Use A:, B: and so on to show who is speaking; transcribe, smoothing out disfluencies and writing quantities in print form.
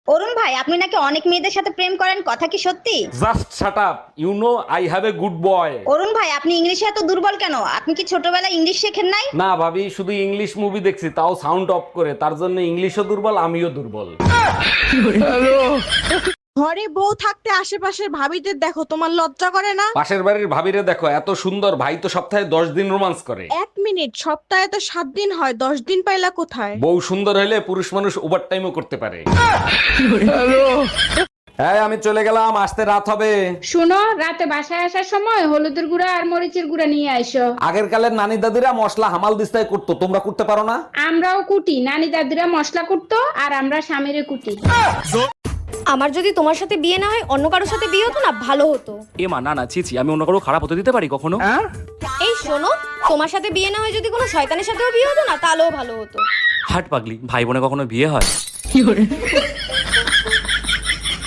A: অরুণ ভাই, আপনি নাকি অনেক মেয়েদের সাথে প্রেম করেন, কথা কি সত্যি?
B: Just shut up, you know I have a good boy.
A: Arun ভাই, আপনি ইংলিশে এত দুর্বল কেন? আপনি কি ছোটবেলায় ইংলিশ শেখেন নাই?
B: না ভাবি, শুধু ইংলিশ মুভি দেখছি, তাও সাউন্ড অফ করে। তার জন্য ইংলিশও দুর্বল, আমিও দুর্বল।
C: ঘরে বউ থাকতে আশেপাশের ভাবিদের দেখো, তোমার লজ্জা করে না?
B: পাশের বাড়ির ভাবিরে দেখো, এত সুন্দর, ভাই তো সপ্তাহে 10 দিন রোমান্স করে।
C: 1 মিনিট, সপ্তাহে তো 7 দিন হয়, 10 দিন পাইলা কোথায়?
B: বউ সুন্দর হলে পুরুষ মানুষ ওভার টাইমও করতে পারে। হ্যাঁ, আমি চলে গেলাম, আসতে রাত হবে।
D: শুনো, রাতে বাসায় আসার সময় হলুদের গুঁড়া আর মরিচের গুঁড়া নিয়ে আইসো।
B: আগের কালের নানি দাদিরা মশলা হামাল দিস্তায় করতো, তোমরা করতে পারো না?
D: আমরাও কুটি, নানি দাদিরা মশলা কুটতো আর আমরা স্বামীরে কুটি।
E: আমার যদি তোমার সাথে বিয়ে না হয় অন্য কারোর সাথে বিয়ে হতো না, ভালো হতো।
F: এ মা, না না, ছি ছি, আমি অন্য কারো খারাপ হতে দিতে পারি কখনো?
E: এই শোনো, তোমার সাথে বিয়ে না হয় যদি কোনো শয়তানের সাথেও বিয়ে হতো না, তাহলেও ভালো হতো।
F: হাট পাগলি, ভাই বোনে কখনো বিয়ে হয়?